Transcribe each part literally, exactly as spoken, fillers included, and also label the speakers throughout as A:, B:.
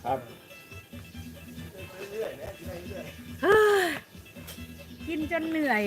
A: ครับ
B: กินจนเหนื่อย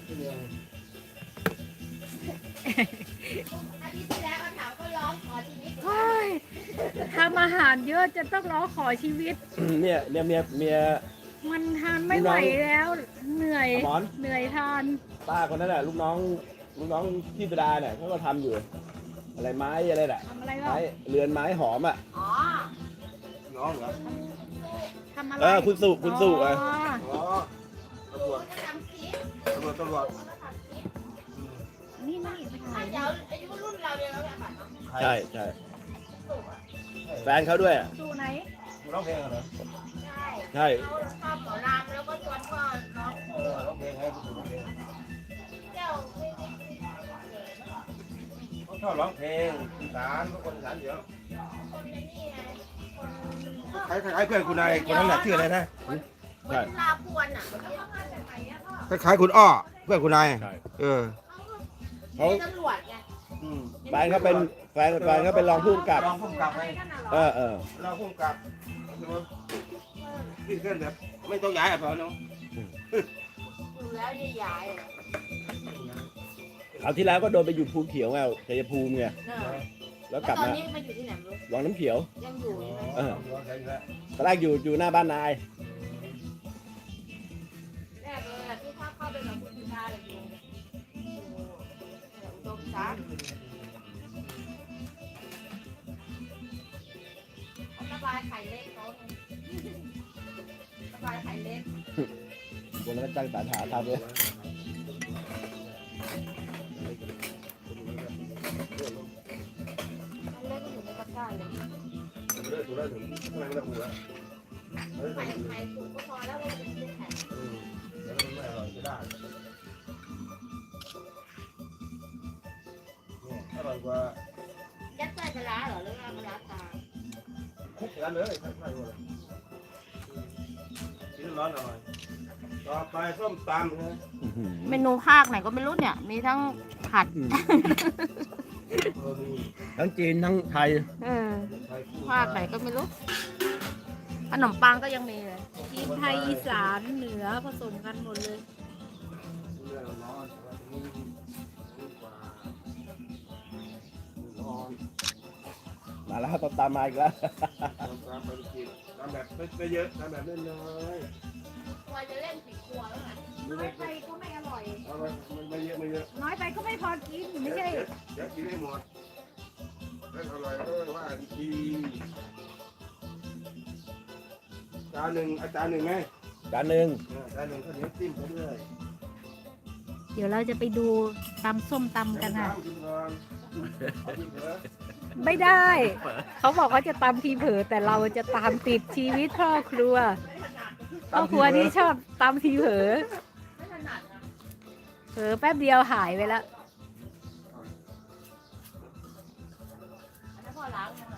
C: อาทิตย์ที่แล้วเขาถามก็ร้องขอชีวิต
B: เฮ้ยทำอาหารเยอะจะต้องร้องขอชีวิต
A: เนี่ยเนี่ยเมียเมีย
B: มันทานไม่ไหวแล้ว เหนื่อย
A: หมอน
B: เหนื่อยทาน
A: ป้าคนนั้นแหละลูกน้องลูกน้องพี่ประดาเนี่ยเขาก็ทำอยู่ อะไรไม้อะไรแหละ
B: ทำอะไรบ้า
A: ไม้
B: ง
A: เรือนไม้หอมอ่ะ
C: อ๋อ
D: น้องเหรอ
B: ทำอะไร
A: เออคุณสุคุณสุ
B: อ๋อ
A: อ่ะ
D: อ๋อตำรวจ
C: ก็ทำคลิป
D: ตำรวจตำรวจ
C: ก็ทำคลิป
B: นี่นี่ไปถ่า
C: ถ้าย เดี๋ยวอายุรุ่นเราเดียวแล้วแบบเนาะ
A: ใช่ใช่แฟนเขาด้วยอ่ะ
B: ดูไหน
D: คุณร้องเพลงเหรอ
C: ใช่
A: ใช่
C: เขาชอบหมอลำแล้วก็ชวนพ่อน้อง
D: เออร้องเพลงให้คุณร้องเพลง
C: เจ้าไม่ไม่
D: เขาชอบร้องเพลงอีสานเขาคนอีสานเยอะ
C: คนในนี่ไงคน
D: คล้ายคล้ายเพื่อนคุณนายคนนั้นแหละชื่ออะไรนะ
C: คนลาพวนอ่ะ
D: คล้ายๆคุณอ้อเพื่อนคุณนาย
A: ใช่
D: เออ
A: เขา
C: ตำรวจไง
D: อืม
A: แฟนเขาเป็นแฟนแฟนเขาเป็นรองผู้กำกับ
D: รองผู้กำกับไง
A: เออเออ
D: รองผู้กำกับคือว่าขึ้นเคลื่อนแบบไม่ต้องย้ายอ่ะพอเนาะ
C: อยู่แล้วจะย้ายอ่ะ
A: คราวที่แล้วก็โดนไปอยู่ภูเขียวไงชัยภูมิไง
C: เนอะ
A: แล้ว
C: แล้ว
A: กลับ
C: ตอน
A: มา
C: นี้มาอยู่ที่ไหนไม่รู้
A: วังน้ำเขียว
C: ยังอยู่ใช่ไหม
A: เออ ตอนแรกอยู่อยู่หน้าบ้านนาย
C: แรกเลยอะที่เข้าเข้าไปกับคุณพิธาเลยอยู่อยู่อุดมทรัพย์เขาระบายไข่เล็กเขาระบายไข่เล็ก
A: คนนั้นก็จ้างสารหาทำเลย
C: เล็กก็อยู่ในตะกร้าเลย
D: เลิกถูกแล้วถึงข้างในไม่ต้องหูแล้วเฮ้ย
C: ไข่ไข่สุกก็พอแล้วเราจะเป็นไข่
D: อืมเดี๋ยวมันไม่อร่อยจะได้เนี่ยอร่อยกว่า
C: ยัดใส่ปลาร้าเหรอหรือว่าปลาร้าตา
D: คุกกันเลยใช่ใช่เลยกินร้อนหน่อยต่อไปส้มตำนะ
C: เมนูภาคไหนก็ไม่รู้เนี่ย มีทั้งผัด
D: เออมี
A: ทั้งจีนทั้งไทย
C: เออ
D: ไข่คู่
C: ภาคไหนก็ไม่รู้ ขนมปังก็ยังมีเลย
B: จีนไทยอีสานเหนือผสมกันหมดเลย
D: เรื่องร้อนแต่ว่าตรงนี้ดีกว่าร้อน
A: มาแล้วตามตามมาอีกแล้ว
D: ทำตามไปกินทำแบบไม่เยอะทำแบบน้อย
C: คอยจะเล่นผีกลัวแล้วไง
D: ๆไม่
B: น้อ
D: ได้
B: ยไปก็ไม่อร่อย
D: เอาไปมันไม่เยอะไม่เยอะ
B: น้อยไปก็ไม่พอกินไม่ใช่
D: เดี๋ยวเดี๋ยวกินให้หมดแล้วอร่อยก็ว่าดีจานหนึ่งอาจารย์หนึ่งไง
A: จานหนึ่ง
D: เออจานหนึ่งข้าวเหนียวจิ้มไปเรื่อย
B: เดี๋ยวเราจะไปดูตำส้มตำกันค่ะ
D: กินก่อนเอากินเถอะ
B: ไม่ได้ เขาบอกว่าจะตำทีเผลอแต่เราจะตามติดชีวิตพ่อครัวพ่อครัวนี่ชอบตำทีเผลอ
C: ไม่ถนัดนะ
B: เผลอแป๊บเดียวหายไปแล้ว
C: อันนั้นพอล้างมันหน่อย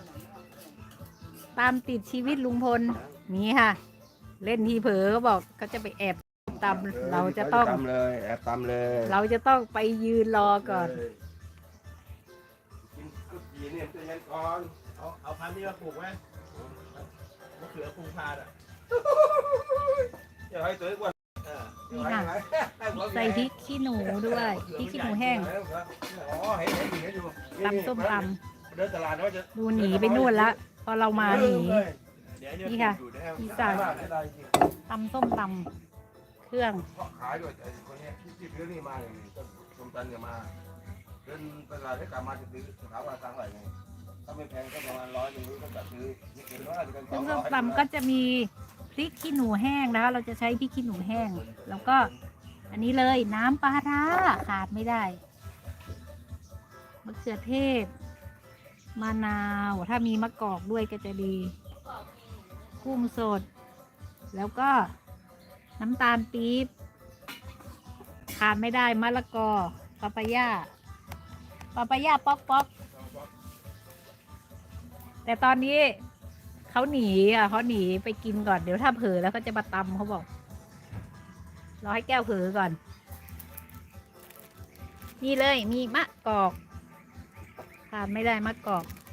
B: ตามติดชีวิตลุงพลนี่ค่ะ เล่นทีเผลอเขาบอกเขาจะไปแอบตำเราจะต้อง
D: ตำเลยแอบตำเลย
B: เราจะต้องไปยืนรอก่อน
D: กินกุดจีเนี่ยจะยันก่อน
A: เอาเอาพันธุ์นี้มาปลูกไหมมะเขือพุงพาดอ่ะ
D: อย่าให้ตัวอ้วน
A: เออ
B: นี่ค่ะ ใส่พริกขี้หนูด้วยพริกขี้หนูแห้ง
D: อ๋อเห็นเห็นเห็นอยู่
B: ตำส้มต
D: เดินตลาดแล้วจะ
B: ำดูหนีไปนู่นละพอเรามาหนี
A: เดี๋ยว
B: นี่ค่ะ
A: อยู่นะครับ
B: อีสาน
D: ได้ได้จริง
B: ตำส้มตำเครื่อง
D: เพราะขายด้วยไอ้คนเนี้ยที่ที่ซื้อนี่มาเนี่ยต้นชมตันเนี่ยมาเดินตลาดให้กลับมาจะซื้อถามว่าตังค์เท่าไหร่ไงถ้าไม่แพงก็ประมาณร้อยหนึงก็จะซื้อนี่เกินร้อยจะเป็นส
B: ซึ่
D: อง ง
B: ส้
D: ร้
B: ม
D: อย
B: ตำก็จะมีพริกขี้หนูแห้งนะคะ เราจะใช้พริกขี้หนูแห้ง แล้วก็อันนี้เลยน้ำปลาร้าขาดไม่ได้มะเขือเทศมะนาวถ้ามีมะกอกด้วยก็จะดีกุ้งสด แล้วก็น้ำตาลปี๊บขาดไม่ได้มะละกอปาปายาปาปายาป๊อกป๊อกแต่ตอนนี้เขาหนีอ่ะเขาหนีไปกินก่อนเดี๋ยวถ้าเผลอแล้วก็จะมาตำเขาบอกรอให้แก้วเผลอก่อน นี่เลยมีมะกอกขาดไม่ได้มะกอก